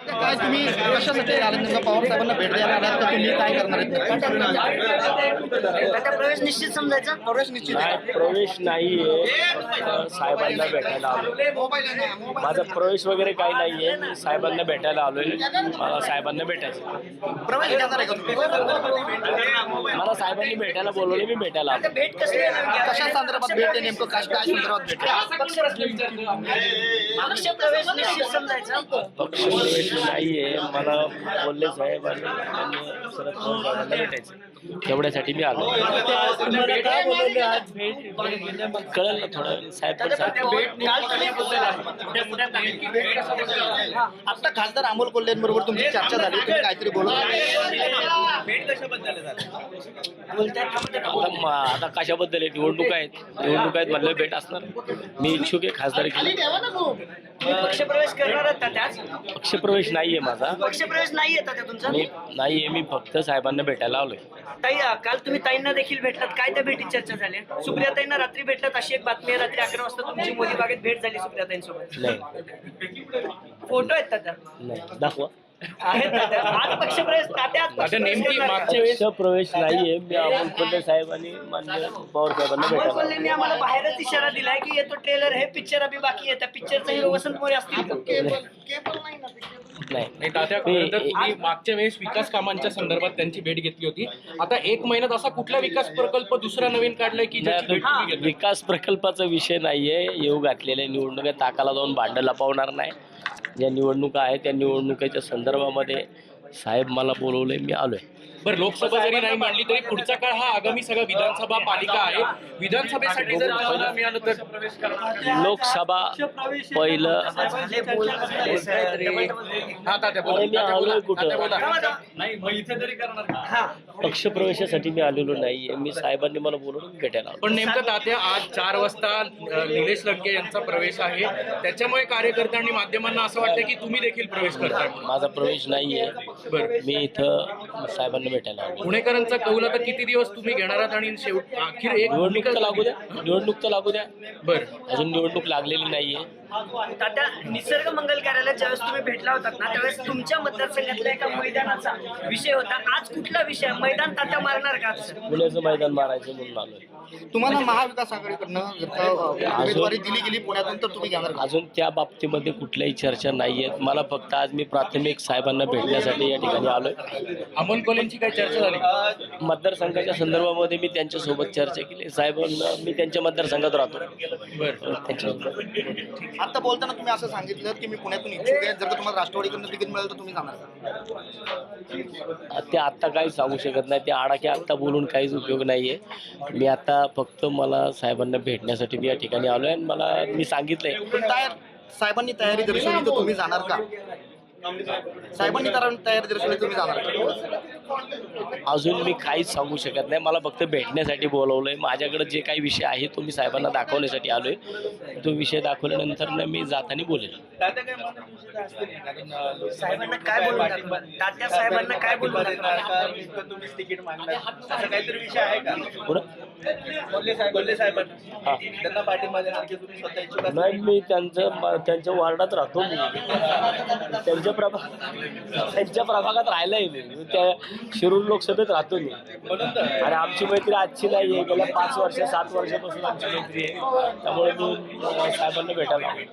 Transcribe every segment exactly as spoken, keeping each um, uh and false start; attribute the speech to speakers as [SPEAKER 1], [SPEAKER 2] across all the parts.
[SPEAKER 1] काय तुम्ही कशासाठी आले नेमका पवार साहेबांना भेट द्यायला आलात का तुम्ही काय करणार आहेत?
[SPEAKER 2] आता प्रवेश निश्चित समजायचा.
[SPEAKER 1] प्रवेश निश्चित
[SPEAKER 3] नाही,
[SPEAKER 1] आहे.
[SPEAKER 3] प्रवेश नाहीये. साहेबांना भेटायला आलोय. माझा प्रवेश वगैरे काही नाहीये. मी साहेबांना भेटायला आलोय. मला साहेबांना भेटायचं.
[SPEAKER 1] प्रवेश घेणार आहे का तुम्ही?
[SPEAKER 3] मला साहेबांनी भेटायला बोलवले, मी भेटायला आलो.
[SPEAKER 2] भेट कसली आहे नेमकी?
[SPEAKER 1] कशा संदर्भात भेट आहे नेमकं? काय काय संदर्भात भेट आहे?
[SPEAKER 2] पक्ष प्रवेश निश्चित समजायचा.
[SPEAKER 3] पक्ष प्रवेश नाहीये. मला बोलले साहेबांनी आणि शरद पवार साहेबांना भेटायचं. एवढ्यासाठी मी आलो. कळलं ना थोडं. साहेब पण सांगतील.
[SPEAKER 1] आता खासदार अमोल कोल्हेंबरोबर तुमची चर्चा झाली, तुम्ही काहीतरी बोलत
[SPEAKER 3] आता म- आता कशाबद्दल आहे? निवडणूक आहेत. निवडणूक आहेत म्हणलं भेट असणार. मी इच्छुक आहे खासदार केली.
[SPEAKER 2] तुम्ही पक्ष प्रवेश करणार आहात का त्याच?
[SPEAKER 3] पक्षप्रवेश नाहीये माझा.
[SPEAKER 2] पक्ष प्रवेश नाही येतात त्या तुमचा.
[SPEAKER 3] मी नाहीये. मी फक्त साहेबांना भेटायला आलोय.
[SPEAKER 2] ताई, काल तुम्ही ताईंना देखील भेटलात. काय त्या भेटीत चर्चा झाली? सुप्रिया ताईंना रात्री भेटलात अशी एक बातमी आहे. रात्री अकरा वाजता तुमची मोदी बागेत भेट झाली सुप्रिया ताईंसोबत.
[SPEAKER 3] नाही
[SPEAKER 2] फोटो आहेत तात्या?
[SPEAKER 3] नाही दाखवा.
[SPEAKER 2] आहेत तात्या. आज पक्ष प्रवेश तात्या आज पक्ष प्रवेश करणार का?
[SPEAKER 3] पक्षप्रवेश नाहीये. मी अमोल कोल्हे साहेब आणि माननीय पवार साहेबांना
[SPEAKER 2] अमोल
[SPEAKER 3] भेटायला
[SPEAKER 2] कोल्हेंनी आम्हाला बाहेरच इशारा दिलाय की येतो ट्रेलर, हे पिक्चर अभि बाकी आहे. त्या पिक्चरचा हिरो वसंत मोरे असतील का?
[SPEAKER 3] नाही.
[SPEAKER 4] नाही तात्या, खरं तर तुम्ही मागच्या वेळेस विकास कामांच्या संदर्भात त्यांची भेट घेतली होती. आता एक महिन्यात असा कुठला विकास प्रकल्प दुसरा नवीन काढलाय की ज्याची भेट तुम्ही घेतली?
[SPEAKER 3] विकास प्रकल्पाचा विषय नाहीये. येऊ घातलेल्या निवडणुका ताकाला जाऊन भांडं लपवणार नाही. ज्या निवडणुका आहेत त्या निवडणुकीच्या संदर्भामध्ये साहेब मला बोलवले, मी आलोय.
[SPEAKER 4] बरं, लोकसभा जरी नाही मांडली तरी पुढचा काळ हा आगामी सगळा विधानसभा पालिका आहे. विधानसभेसाठी जर तुम्हाला मिळालं तर
[SPEAKER 3] लोकसभा पहिलं.
[SPEAKER 2] झाले बोल झाले सर. Double double.
[SPEAKER 4] हा तात्या बोला.
[SPEAKER 3] अरे मी
[SPEAKER 4] तात्या बोला.
[SPEAKER 3] आलोय कुठं?
[SPEAKER 4] तात्या बोला.
[SPEAKER 2] हा.
[SPEAKER 3] पक्षप्रवेशासाठी मी आलेलो नाहीये. मी साहेबांनी मला बोलवून भेटायला आलो.
[SPEAKER 4] पण नेमकं तात्या आज चार वाजता अ, निलेश लंके यांचा प्रवेश आहे. त्याच्यामुळे कार्यकर्त्यांनी माध्यमांना असं वाटतं की तुम्ही देखील प्रवेश करताय.
[SPEAKER 3] माझा प्रवेश नाहीये.
[SPEAKER 4] बरं,
[SPEAKER 3] मी इथं साहेबांना भेटायला आलो.
[SPEAKER 4] पुणेकरांचा कौल आता किती दिवस तुम्ही घेणार आहात आणि शेवट अखेर एक
[SPEAKER 3] निवडणूक तर लागू द्या. निवडणूक तर लागू द्या.
[SPEAKER 4] बरं,
[SPEAKER 3] अजून निवडणूक लागलेली नाहीये.
[SPEAKER 2] तात्या, निसर्ग मंगल कार्यालयात ज्यावेळेस तुम्ही भेटला होतात ना त्यावेळेस तुमच्या मतदारसंघातल्या एका मैदानाचा विषय होता. आज कुठला विषय? मैदान तात्या मारणार का आज?
[SPEAKER 3] पुण्याचं मैदान मारायचं म्हणून आलोय.
[SPEAKER 1] तुम्हाला महाविकास आघाडीकडनं जर का उमेदवारी दिली गेली पुण्यातून तर तुम्ही घेणार का?
[SPEAKER 3] अजून त्या बाबतीमध्ये कुठल्याही चर्चा नाही आहेत. मला फक्त आज मी प्राथमिक साहेबांना भेटण्यासाठी या ठिकाणी आलोय.
[SPEAKER 4] अमोल कोल्हेंची काय चर्चा झाली?
[SPEAKER 3] मतदारसंघाच्या संदर्भामध्ये मी त्यांच्यासोबत चर्चा केली. साहेबांना मी त्यांच्या मतदारसंघात राहतो.
[SPEAKER 4] बरं,
[SPEAKER 3] त्यांच्यासोबत
[SPEAKER 1] आता बोलताना तुम्ही असं सांगितलं की मी पुण्यातून इच्छुक आहे, जर का तुम्हाला राष्ट्रवादीकडनं तिकीट मिळालं तर तुम्ही जाणार का?
[SPEAKER 3] ते आत्ता काही सांगू शकत नाही. ते आडाखे आत्ता बोलून काहीच उपयोग नाहीये. मी आता फक्त मला साहेबांना भेटण्यासाठी मी या ठिकाणी आलोय आणि मला मी सांगितलंय.
[SPEAKER 1] पण तयार साहेबांनी तयारी दर्शवली तर तुम्ही जाणार का? साहेबांनी तर तयारी दर्शवली तुम्ही जाणार का?
[SPEAKER 3] अजून मी काहीच सांगू शकत नाही. मला फक्त भेटण्यासाठी बोलवलंय. माझ्याकडे जे काही विषय आहे तो मी साहेबांना दाखवण्यासाठी आलोय. तो विषय दाखवल्यानंतर ना मी जाताना बोलेल.
[SPEAKER 2] साहेबांना काय बोलून दाखवा? तात्या साहेबांना काय बोलून दाखवा?
[SPEAKER 3] पुढं? हा. नाही, मी त्यांचं त्यांच्या वार्डात राहतो. मी त्यांच्या प्रभा त्यांच्या प्रभागात राहिलंय. मी मी त्या शिरूर लोकसभेत राहतो मी. आणि आमची मैत्री आजची नाही आहे. गेल्या पाच वर्ष सात वर्षापासून आमची मैत्री आहे. त्यामुळे मी अं, साहेबांना भेटायला आलो.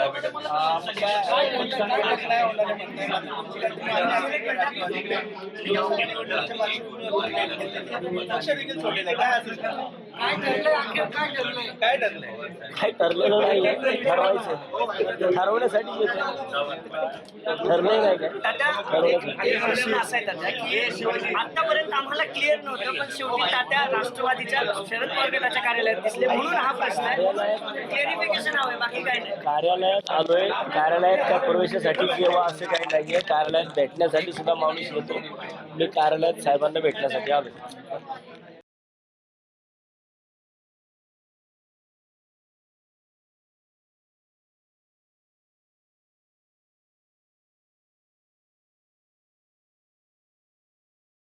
[SPEAKER 3] काही ठरलेलं नाही. ठरवायचं ठरवण्यासाठी येतो. ठरलंय नाही काय
[SPEAKER 2] तात्या, एक प्रश्न असा आहे तात्या की आतापर्यंत आम्हाला क्लिअर नव्हतं, पण शेवटी तात्या राष्ट्रवादीच्या शरद पवार गटाच्या कार्यालयात दिसले म्हणून हा प्रश्न आहे. क्लिअरिफिकेशन हवंय, बाकी काय नाही.
[SPEAKER 3] कार्यालयात आलोय. कार्यालयात त्या प्रवेशासाठी किंवा असं काही नाहीये. कार्यालयात भेटण्यासाठी सुद्धा माणूस येतो. मी कार्यालयात साहेबांना भेटण्यासाठी आलोय.